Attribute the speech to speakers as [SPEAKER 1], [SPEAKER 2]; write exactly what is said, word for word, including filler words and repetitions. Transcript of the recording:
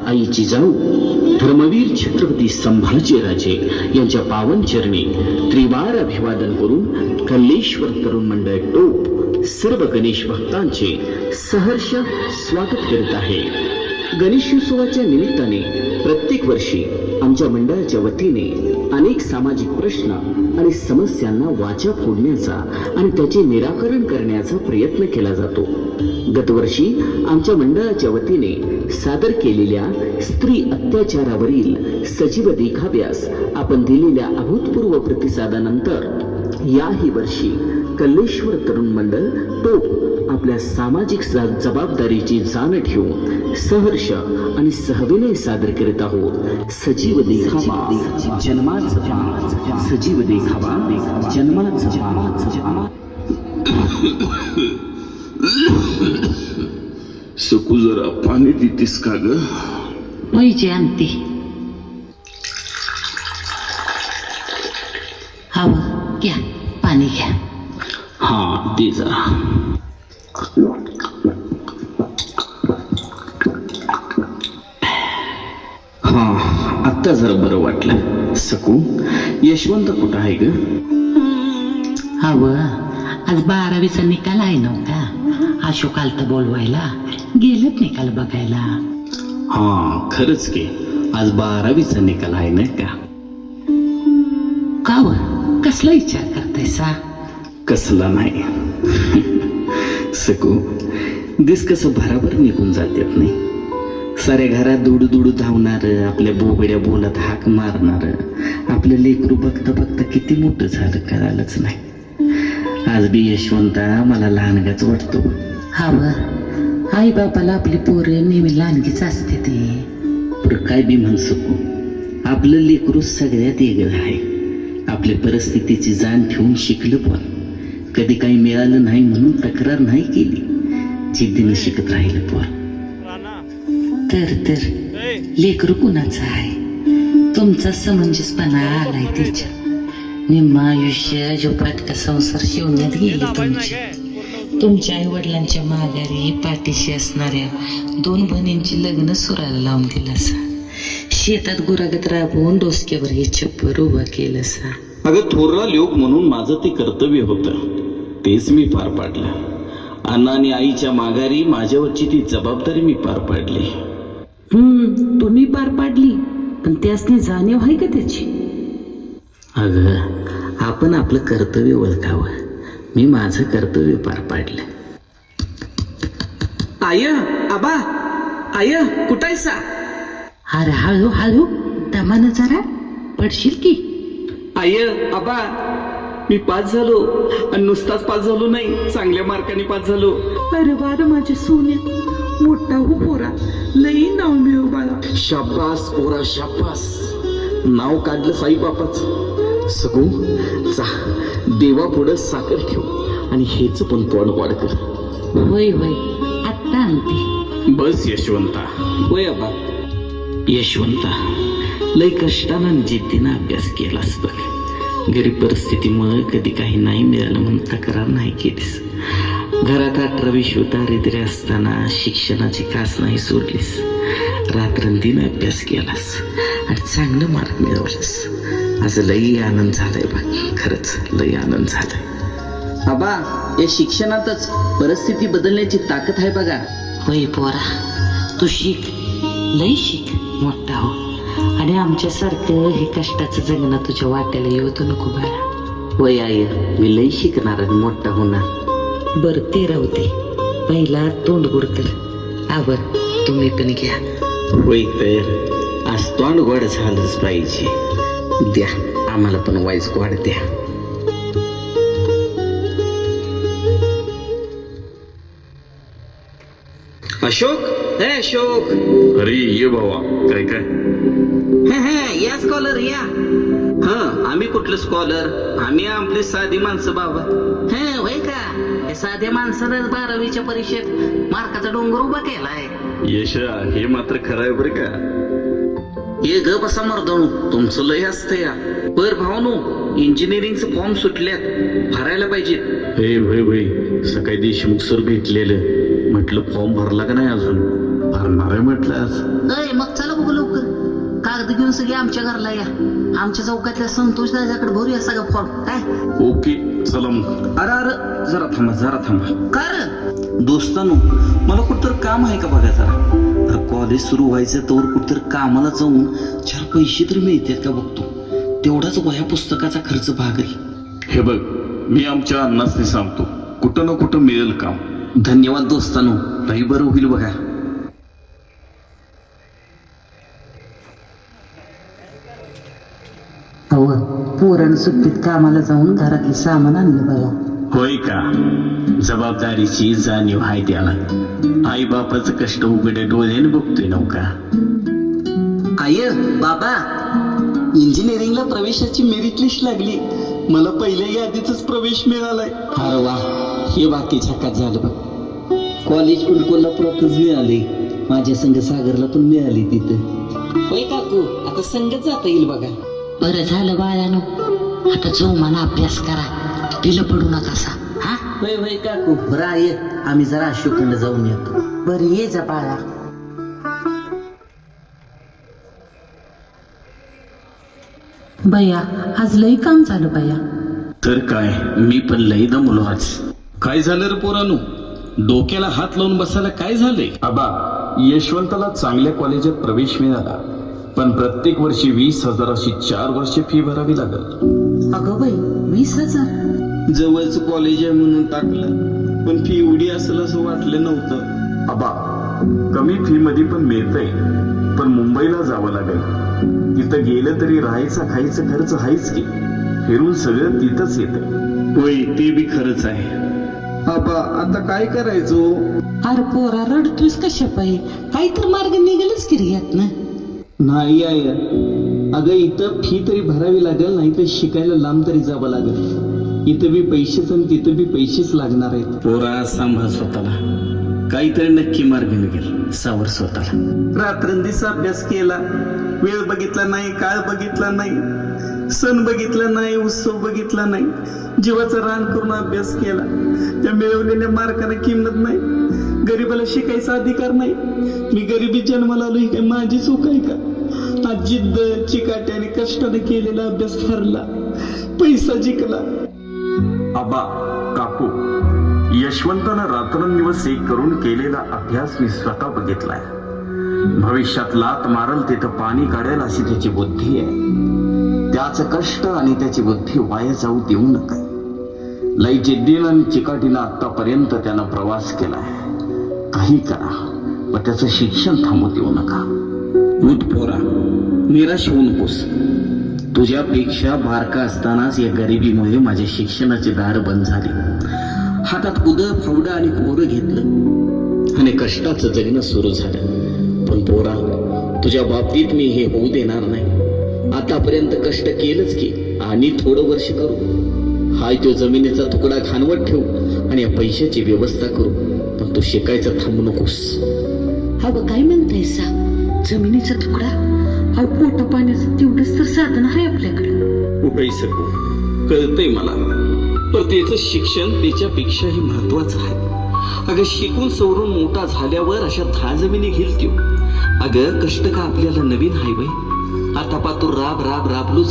[SPEAKER 1] आई जिजाऊ धर्मवीर छत्रपती संभाजीराजे यांच्या पावन चरणी त्रिवार अभिवादन करून कल्लेश्वर तरुण मंडळ टोप सर्व गणेश भक्तांचे सहर्ष स्वागत करीत आहे. गणेशोत्सवाच्या निमित्ताने प्रत्येक वर्षी आमच्या मंडळाच्या वतीने अनेक सामाजिक प्रश्न आणि समस्यांना वाचा फोडण्याचा आणि त्याचे निराकरण करण्याचा प्रयत्न केला जातो. गतवर्षी आमच्या मंडळाच्या वतीने सादर केलेल्या स्त्री अत्याचारावरील सजीव देखाव्यास आपण दिलेल्या अभूतपूर्व प्रतिसादानंतर याही वर्षी कल्लेश्वर तरुण मंडळ टोप आपल्या सामाजिक जबाबदारीची जाण ठेवून सहर्ष आणि सहविनय सादर करीत आहोत. सजीव देखावा जन्माचा, सजीव देखावा जन्माचा.
[SPEAKER 2] सकू जरा पाणी देतीस का ग?
[SPEAKER 3] पैसे आणते. हवं घ्या, पाणी घ्या.
[SPEAKER 1] हा दे जरा. हा आता जरा बरं वाटलं. सकू, यशवंत कुठं आहे ग?
[SPEAKER 3] हवं आज बारावीचा निकाल आहे नव्हता. अशोक आलता बोलवायला, गेलेत निकाल बघायला.
[SPEAKER 1] हा खरंच की आज बारावीचा निकाल आहे नाही का?
[SPEAKER 3] का व कसला विचार करतायसा?
[SPEAKER 1] कसला नाही सकू, दिस कसं भराभर निघून जातात नाही. साऱ्या घरात दुडू दुडू धावणार, आपल्या बोबड्या बोलात हाक मारणार, आपलं लेकरू बघता बघता किती मोठं झालं करायलाच नाही. आज बी यशवंता मला लहानगाच वाटतो.
[SPEAKER 3] हवं आई बापाला आपली पोरं नेहमी लहानगीच असते. ते
[SPEAKER 1] पण काय बी म्हण सकू, आपलं लेकरू सगळ्यात वेगळं आहे. आपल्या परिस्थितीची जाण ठेवून शिकलं, पण कधी काही मिळालं नाही म्हणून तक्रार नाही केली. जिद्दीने शिकत राहिलं पण.
[SPEAKER 3] तर तर लेकरू कुणाचं आहे? तुमचा समंजसपणा आलाय त्याच्यात. निम्म आयुष्य जोपाटका संसार शिवण्यात गेले तुमचे. तुमच्या आई वडिलांच्या माघारी पाठीशी असणाऱ्या दोन बहिणींची लग्न सुराला लावून दिलं असा. शेतात गुरागत राबवून डोसक्यावर हे छप्पर उभा केलं असा.
[SPEAKER 1] अगं थोरला लोक म्हणून माझं ते कर्तव्य होतं, तेच मी पार पाडलं. अण्णा आणि आईच्या माघारी माझ्यावरची ती जबाबदारी मी पार पाडली.
[SPEAKER 3] हम्म तुम्ही पार पाडली, पण त्यासनी जाणीव आहे का त्याची?
[SPEAKER 1] अगं आपण आपलं कर्तव्य ओळखावं. मी माझं कर्तव्य पार पाडलं.
[SPEAKER 4] आय आबा, आय कुठायसा?
[SPEAKER 3] अरे हळू हळू दमानं जरा, पडशील की.
[SPEAKER 4] आय आबा, मी पास झालो आणि नुसताच पास झालो नाही, चांगल्या मार्काने पास झालो. अरे बार माझे सोन्या, मोठा हो पोरा, लई नाव मिळव बाळा.
[SPEAKER 1] शाबास पोरा शाबास, नाव काढलं साई बापाच. सकू चा देवा पुढं साखर ठेव आणि हेच पण पोट वाढ कर.
[SPEAKER 3] होय होय आत्ता आणते.
[SPEAKER 1] बस यशवंता.
[SPEAKER 4] होय आबा.
[SPEAKER 1] यशवंता, लय कष्टानं आणि जिद्दीनं अभ्यास केलास बघ. गरीब परिस्थितीमुळे कधी काही नाही मिळालं म्हणून तक्रार नाही केलीस. घरात अठरा विश्व दारिद्र्य असताना शिक्षणाची कास नाही सोडलीस. रात्रंदिन अभ्यास केलास आणि चांगलं मार्क मिळवलंस. आज लई आनंद झालाय बघ, खरंच लई आनंद झालाय.
[SPEAKER 4] आबा, या शिक्षणातच परिस्थिती बदलण्याची ताकद आहे बघा.
[SPEAKER 3] होय पोरा, तू शिक, लई शिक, मोठा हो. आणि आमच्यासारखं हे कष्टाचं जगणं तुझ्या वाट्याला येऊ दे नको बाळा.
[SPEAKER 1] वय आई, मी लई शिकणार आणि मोठा होणार.
[SPEAKER 3] बर ते राहू दे, पहिला तोंड गोड कर. आवर तुम्ही पण घ्या.
[SPEAKER 1] होय तर आज तोंड गोड झालंच पाहिजे. द्या आम्हाला पण वाईस गोड द्या.
[SPEAKER 4] अशोक, हे अशोक.
[SPEAKER 2] अरे ये भावा, काय काय?
[SPEAKER 4] हे हे या स्कॉलर या.
[SPEAKER 1] हा आम्ही कुठलं स्कॉलर? आम्ही आपले साधी माणसं बाबा.
[SPEAKER 3] हे होय का? हे साध्या माणसानंच बारावीच्या परीक्षेत मार्काचा डोंगर उभा केलाय.
[SPEAKER 2] यशा, हे मात्र खरं आहे बरं का?
[SPEAKER 1] ये ग बसा मर्दानू, तुमचं लय असतं या. बर भावानू, इंजिनिअरिंगचं फॉर्म सुटल्यात, भरायला पाहिजे.
[SPEAKER 2] हे भाई भाई, सकाळी देशमुख सर भेटलेलं, म्हटलं फॉर्म भरला का नाही अजून? भरणार आहे म्हटलं आज.
[SPEAKER 3] अय मग चला बघू लवकर, कागद घेऊन सगळे आमच्या घरला या. आमच्या चौकातल्या संतोष दादाकडे भरूया सगळा फॉर्म. काय
[SPEAKER 2] ओके चला मग.
[SPEAKER 5] अरे अरे जरा थांबा जरा थांबा
[SPEAKER 3] कर
[SPEAKER 5] दोस्तानो, मला कुठतर काम आहे का बघा जरा. अरे कॉलेज सुरू व्हायचं तर कुठतर कामाला जाऊन चार पैसे तरी मिळतात का बघतो. तेवढाच वह्या पुस्तकाचा खर्च भागरी.
[SPEAKER 2] हे बघ, मी आमच्या अण्णासनी सांगतो, कुठं ना कुठं मिळेल काम.
[SPEAKER 5] धन्यवाद दोस्तानो, लई बरं होईल बघा.
[SPEAKER 3] अहो पोरण सुट्टीत कामाला जाऊन घरातले सामान आणलं बघा.
[SPEAKER 1] होय का? जबाबदारीची जाणीव आहे त्याला. आई बापाचं कष्ट उघडे डोळ्याने बघतोय नव्हता.
[SPEAKER 4] आय बाबा, इंजिनिअरिंगला प्रवेशाची मेरिट लिस्ट लागली. मला पहिल्या यादीतच प्रवेश मिळालाय.
[SPEAKER 5] अरे वा, हे बाकीच्या हातात झालं बघ. कॉलेज पण कोल्हापुरातच मिळाले. माझ्या संघ सागरला पण मिळाली तिथं.
[SPEAKER 4] होय काकू, आता संगत जाता येईल बघा.
[SPEAKER 3] बरं झालं बाळानो, आता जो मला अभ्यास करा, पिलं पडू नकासा. हा
[SPEAKER 5] होय होय काकू, बरं आहे, आम्ही जरा अशोककडे जाऊन येतो.
[SPEAKER 3] बरं ये जा बाळा. बया आज लई काम झालं बया.
[SPEAKER 1] तर काय, मी पण लई दमलो आज.
[SPEAKER 2] काय झालं रे पोरानू? डोक्याला हात लावून बसायला काय झालंय?
[SPEAKER 6] आबा, यशवंताला चांगल्या कॉलेजात प्रवेश मिळाला, पण प्रत्येक वर्षी वीस हजाराची चार वर्षे फी भरावी लागल.
[SPEAKER 3] अगं बाई, वीस हजार
[SPEAKER 4] जवळच कॉलेज आहे म्हणून टाकलं, पण फी एवढी असेल असं वाटलं नव्हतं.
[SPEAKER 6] आबा, कमी फी मध्ये पण मिळतंय, पण मुंबईला जावं लागेल. तिथं गेलं तरी राहायचा खायचा खर्च आहेच की. फिरून सगळं तिथंच येतंय.
[SPEAKER 1] होय, ते बी खरंच आहे.
[SPEAKER 4] आबा, आता काय करायचो?
[SPEAKER 3] अरे पोरा रडतोस कशा पायी? काही तर मार्ग निघेलच की रे यातनं.
[SPEAKER 4] नाही आहे, अगं इथं फी तरी भरावी लागेल, नाही तर शिकायला लांब तरी जावं लागेल. इथं बी पैसेच आणि तिथं बी पैसेच लागणार आहेत.
[SPEAKER 1] पोरा सांभाळ स्वतःला, काहीतरी नक्की मार्ग निघेल. सावर स्वतःला.
[SPEAKER 4] रात्रंदिवस अभ्यास केला, वेळ बघितला नाही, काळ बघितला नाही, सण बघितला नाही, उत्सव बघितला नाही, जीवाचं रान करून अभ्यास केला. त्या मिळवलेल्या मार्काला किंमत नाही. गरीबाला शिकायचा अधिकार नाही. मी गरिबी जन्माला आलो, ही काय माझी चूक आहे का? आज जिद्द, चिकाटी आणि कष्टाने केलेला अभ्यास ठरला, पैसा जिंकला.
[SPEAKER 6] आबा, काकू, यशवंतानं रात्रंदिवस एक करून केलेला अभ्यास मी स्वतः बघितलाय. भविष्यात लात मारल तिथं पाणी काढेल अशी त्याची बुद्धी आहे. त्याचं कष्ट आणि त्याची बुद्धी वाया जाऊ देऊ नका. लई जिद्दीनं आणि चिकाटीनं आतापर्यंत त्यानं प्रवास केलाय. काही करा, पण त्याचं शिक्षण थांबू देऊ नका.
[SPEAKER 1] उठ पोरा, निराश होऊ नकोस. तुझ्यापेक्षा बारका असतानाच या गरिबीमुळे माझ्या शिक्षणाचे दार बंद झाले. हातात उदं फावडं आणि कोरं घेतलं आणि कष्टाचं जगणं सुरू झालं. पण पोरा, तुझ्या बाबतीत मी हे होऊ देणार नाही. आतापर्यंत कष्ट केलंच की, आणि थोडं वर्ष करू. हाय तो जमिनीचा तुकडा खानवत ठेवू आणि या पैशाची व्यवस्था करू. पण तू शिकायचं थांबू नकोस.
[SPEAKER 3] अगं काय म्हणताय सा? जमिनीचा तुकडा? अहो पोटा पाण्याचं तेवढंच तर साधन आहे आपल्याकडे.
[SPEAKER 4] उभे सकू, कळतंय मला, पण त्याचं शिक्षण त्याच्यापेक्षाही महत्वाचं आहे. अगं शिकून सवरून मोठा झाल्यावर अशा दहा जमिनी घेईल त्यो. अगं कष्ट का आपल्याला नवीन हाय बाई? आता पातूर राब राब राबलो